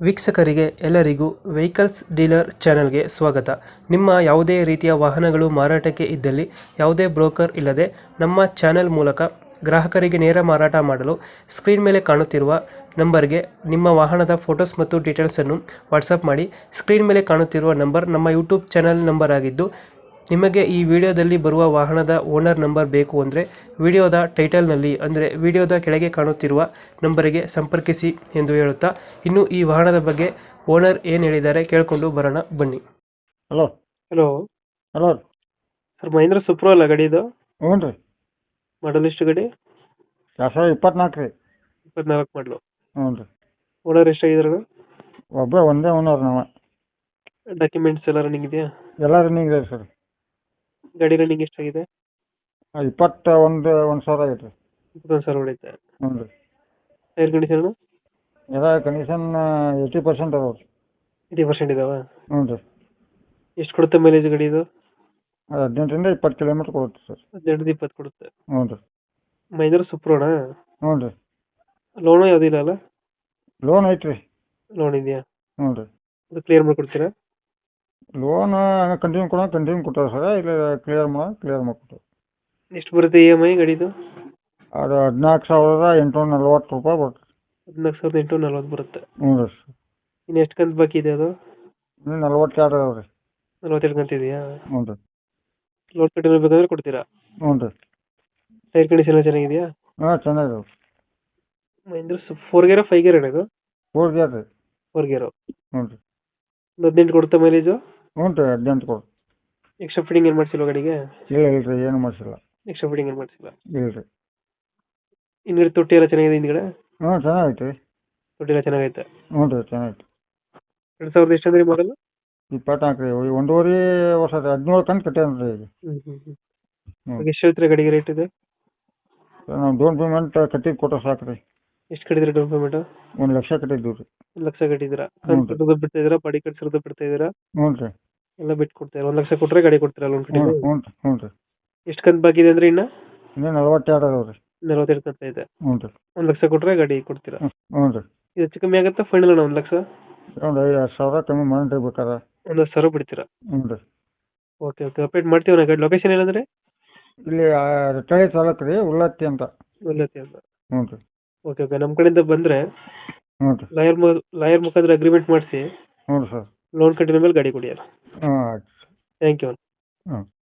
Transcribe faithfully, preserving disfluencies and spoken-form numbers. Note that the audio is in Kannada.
ವೀಕ್ಷಕರಿಗೆ ಎಲ್ಲರಿಗೂ ವೆಹಿಕಲ್ಸ್ ಡೀಲರ್ ಚಾನೆಲ್ಗೆ ಸ್ವಾಗತ. ನಿಮ್ಮ ಯಾವುದೇ ರೀತಿಯ ವಾಹನಗಳು ಮಾರಾಟಕ್ಕೆ ಇದ್ದಲ್ಲಿ ಯಾವುದೇ ಬ್ರೋಕರ್ ಇಲ್ಲದೆ ನಮ್ಮ ಚಾನೆಲ್ ಮೂಲಕ ಗ್ರಾಹಕರಿಗೆ ನೇರ ಮಾರಾಟ ಮಾಡಲು ಸ್ಕ್ರೀನ್ ಮೇಲೆ ಕಾಣುತ್ತಿರುವ ನಂಬರ್ಗೆ ನಿಮ್ಮ ವಾಹನದ ಫೋಟೋಸ್ ಮತ್ತು ಡೀಟೇಲ್ಸನ್ನು ವಾಟ್ಸಪ್ ಮಾಡಿ. ಸ್ಕ್ರೀನ್ ಮೇಲೆ ಕಾಣುತ್ತಿರುವ ನಂಬರ್ ನಮ್ಮ ಯೂಟ್ಯೂಬ್ ಚಾನೆಲ್ ನಂಬರ್ ಆಗಿದ್ದು, ನಿಮಗೆ ಈ ವಿಡಿಯೋದಲ್ಲಿ ಬರುವ ವಾಹನದ ಓನರ್ ನಂಬರ್ ಬೇಕು ಅಂದರೆ ವಿಡಿಯೋದ ಟೈಟಲ್ನಲ್ಲಿ ಅಂದರೆ ವಿಡಿಯೋದ ಕೆಳಗೆ ಕಾಣುತ್ತಿರುವ ನಂಬರಿಗೆ ಸಂಪರ್ಕಿಸಿ ಎಂದು ಹೇಳುತ್ತಾ, ಇನ್ನು ಈ ವಾಹನದ ಬಗ್ಗೆ ಓನರ್ ಏನು ಹೇಳಿದ್ದಾರೆ ಕೇಳಿಕೊಂಡು ಬರೋಣ ಬನ್ನಿ. Hello hello hello sir, Mahindra Supro ಅಲ್ಲ ಗಾಡಿ ಇದು? ಹ್ಞೂ ರೀ. ಮಾಡಲ್ ಎಷ್ಟು ಗಾಡಿ? ಎರಡು ಸಾವಿರದ ಇಪ್ಪತ್ನಾಲ್ಕು ರೀ. ಇಪ್ಪತ್ನಾಲ್ಕು ಮಾಡಲು. ಹ್ಞೂ ರೀ. ಓನರ್ ಎಷ್ಟಾಗಿದ್ದಾರೆ? ಒಬ್ಬ ಒಂದೇ ಓನರ್ ನಾವು. ಡಾಕ್ಯುಮೆಂಟ್ಸ್ ಎಲ್ಲ ರನ್ನಿಂಗ್ ಇದೆಯಾ? ಎಲ್ಲ ರನ್ನಿಂಗ್ ಇದೆ ಸರ್. ಗಾಡಿ ರನ್ನಿಂಗ್ ಎಷ್ಟಾಗಿದೆ? ಇಪ್ಪತ್ತ ಒಂದು ಒಂದು ಸಾವಿರ ಆಗೈತೆ ರೀ. ಇಪ್ಪತ್ತೊಂದು ಸಾವಿರ ಹೊಡೈತೆ. ಹ್ಞೂ ರೀ. ಟೈರ್ ಕಂಡೀಷನ್ ಎಲ್ಲ ಕಂಡೀಷನ್ ಏಯ್ಟಿ ಪರ್ಸೆಂಟ್ ಅದಾವೆ ರೀ. ಏಯ್ಟಿ ಪರ್ಸೆಂಟ್ ಇದಾವ? ಹ್ಞೂ ರೀ. ಎಷ್ಟು ಕೊಡುತ್ತೆ ಮೈಲೇಜ್ ಗಾಡಿ ಇದು? ಅದು ಹದಿನೆಂಟರಿಂದ ಇಪ್ಪತ್ತು ಕಿಲೋಮೀಟ್ರ್ ಕೊಡುತ್ತೆ ಸರ್. ಹದಿನೆಂಟು ಇಪ್ಪತ್ತು ಕೊಡುತ್ತೆ. ಹ್ಞೂ ರೀ. ಮಹೇಂದ್ರ ಸುಪ್ರೋನಾ? ಹ್ಞೂ ರೀ. ಲೋನು ಯಾವುದಿಲ್ಲ ಅಲ್ಲ? ಲೋನ್ ಐತೆ ರೀ. ಲೋನ್ ಇದೆಯಾ? ಹ್ಞೂ ರೀ. ಅದು ಕ್ಲಿಯರ್ ಮಾಡ್ಕೊಡ್ತೀರಾ? ಲೋನ್ ಕಂಟಿನ್ಯೂ ಕೊಡೋ ಕಂಟಿನ್ಯೂ ಕೊಟ್ಟಾರೆ ಸರ್. ಇಲ್ಲ ಕ್ಲಿಯರ್ ಮಾಡೋ ಕ್ಲಿಯರ್ ಮಾಡಿಕೊಟ್ಟು. ಎಷ್ಟು ಬರುತ್ತೆ ಇ ಎಮ್ ಐ ಗಾಡಿದು? ಅದು ಹದಿನಾಲ್ಕು ಸಾವಿರದ ಎಂಟುನೂರ ನಲ್ವತ್ತು ರೂಪಾಯಿ ಬರುತ್ತೆ. ಹದಿನಾಲ್ಕು ಸಾವಿರದ ಎಂಟುನೂರ ನಲ್ವತ್ತು ಬರುತ್ತೆ. ಹ್ಞೂ ರೀ. ಇನ್ನು ಎಷ್ಟು ಕಂತು ಬಾಕಿ ಇದೆ ಅದು? ಇನ್ನು ನಲ್ವತ್ತೆರಡು ಅದಾವೆ ರೀ. ನಲ್ವತ್ತೆರಡು ಕಂತು ಇದೆಯಾ? ಹ್ಞೂ ರೀ. ಲೋನ್ ಕಟ್ಟಿನ ಬೇಕಾದ್ರೆ ಕೊಡ್ತೀರಾ? ಹ್ಞೂ ರೀ. ಟೈರ್ ಕಂಡೀಷನ್ ಎಲ್ಲ ಚೆನ್ನಾಗಿದೆಯಾ? ಹಾಂ ಚೆನ್ನಾಗಿದಾವೆ. Mahindra four gear five gear ಇದು? ಫೋರ್ ಗೇರ್ ರೀ. Four gear. ಹ್ಞೂ ರೀ. ಒಂದು ಹದಿನೆಂಟು ಕೊಡುತ್ತೆ ಮೈಲೇಜು? ಹ್ಞೂ ರೀ. ಹದಿನೆಂಟು ಕೊಡು. ಎಕ್ಸ್ಟ್ರಾ ಫಿಟ್ಟಿಂಗ್ ಏನು ಮಾಡಿಸಿಲ್ಲ ಗಾಡಿಗೆ? ಇಲ್ಲ ಇಲ್ಲ ರೀ, ಏನು ಮಾಡಿಸಿಲ್ಲ. ಎಕ್ಸ್ಟ್ರಾ ಫಿಟ್ಟಿಂಗ್ ಏನು ಮಾಡಿಸಿಲ್ಲ? ಇಲ್ಲ ರೀ. ಹಿಂದ್ಗಡೆ ತೊಟ್ಟಿ ಎಲ್ಲ ಚೆನ್ನಾಗಿದೆ ಹಿಂದ್ಗಡೆ? ಹ್ಞೂ ಚೆನ್ನಾಗೈತೆ ರೀ. ತೊಟ್ಟಿ ಎಲ್ಲ ಚೆನ್ನಾಗೈತೆ? ಹ್ಞೂ ರೀ ಚೆನ್ನಾಗೈತೆ. ಎರಡು ಸಾವಿರದ ಎಷ್ಟು ಅಂದ್ರೆ ಮಾಡಲು? ಇಪ್ಪತ್ನಾಲ್ಕು ರೀ. ಒಂದೂವರೆ ವರ್ಷ ರೀ. ಹದಿನೇಳು ಕಂತು ಕಟ್ಟ್ಯಾನ ರೀ ಈಗ. ಹ್ಞೂ ಹ್ಞೂ ಹ್ಞೂ ಹ್ಞೂ. ಎಷ್ಟು ಹೇಳ್ತೀರಾ ಗಾಡಿಗೆ ರೇಟ್ ಇದೆ? ನಾವು ಡೌನ್ ಪೇಮೆಂಟ್ ಕಟ್ಟಿದ್ದು ಕೊಟ್ಟರೆ ಸಾಕು ರೀ. ಎಷ್ಟು ಕಟ್ಟಿದ್ರೆ ಡೌನ್ ಪೇಮೆಂಟ್? ಒಂದು ಲಕ್ಷ ಕಟ್ಟಿದ್ದೀವಿ ರೀ. ಒಂದು ಲಕ್ಷ ಕಟ್ಟಿದ್ದೀರಾ? ಹ್ಞೂ ರೀ. ಕಂತು ಬಿಡ್ತಾ ಇದ್ದೀರಾ? ಬಾಡಿ ಕಟ್ಸಿರೋದು ಬಿಡ್ತಾ ಇದ್ದೀರಾ? ಹ್ಞೂ ರೀ. ಎಲ್ಲ ಬಿಟ್ಟು ಕೊಡ್ತೀರಾ? ಒಂದು ಲಕ್ಷ ಕೊಟ್ಟರೆ ಗಾಡಿ ಕೊಡ್ತೀರಾ ಲೋನ್ ಹ್ಞೂ ಕಟ್ಟಿದ್ದು? ಹ್ಞೂ ರೀ. ಹ್ಞೂ ರೀ. ಎಷ್ಟು ಕಂತು ಬಾಕಿ ಇದೆ ಅಂದ್ರೆ ಇನ್ನು? ಇನ್ನೂ ನಲ್ವತ್ತೆರಡು ಅದಾವೆ ರೀ. ನಲವತ್ತೆರಡು ಕಂತ ಇದೆ. ಹ್ಞೂ ರೀ. ಒಂದು ಲಕ್ಷ ಕೊಟ್ಟರೆ ಗಾಡಿ ಕೊಡ್ತೀರಾ? ಹ್ಞೂ ಹ್ಞೂ ರೀ. ಇದು ಹೆಚ್ಚು ಕಮ್ಮಿ ಆಗುತ್ತಾ ಫೈನಲ್ ಅಣ್ಣ ಒಂದು ಲಕ್ಷ? ಒಂದು ಐದು ಸಾವಿರ ಕಮ್ಮಿ ಮಾಡಿ ಬೇಕಾರೆ. ಒಂದು ಹತ್ತು ಸಾವಿರ ಬಿಡ್ತೀರಾ? ಹ್ಞೂ ರೀ. ಓಕೆ ಓಕೆ ಅಪ್ಡೇಟ್ ಮಾಡ್ತೀವಿ ನಾ. ಗಾಡಿ ಲೊಕೇಶನ್ ಏನಂದರೆ? ಇಲ್ಲಿ ರಟ್ಟಳ್ಳಿ ತಾಲೂಕು ರೀ, ಉಳ್ಳತ್ತಿ ಅಂತ. ಉಳ್ಳತ್ತಿ ಅಂತ. ಹ್ಞೂ ರೀ. ಓಕೆ ಓಕೆ ನಮ್ಮ ಕಡೆಯಿಂದ ಬಂದರೆ ಹ್ಞೂ ರೀ. ಲಾಯರ್ ಮು ಲಾಯರ್ ಮುಖಾಂತರ ಅಗ್ರಿಮೆಂಟ್ ಮಾಡಿಸಿ ಹ್ಞೂ ರೀ ಸರ್. ಲೋನ್ ಕಟ್ಟಿದ ಮೇಲೆ ಗಾಡಿ ಕೊಡಿ. ಹಾಂ ಆಯ್ತು. Thank you. ಹ್ಞೂ.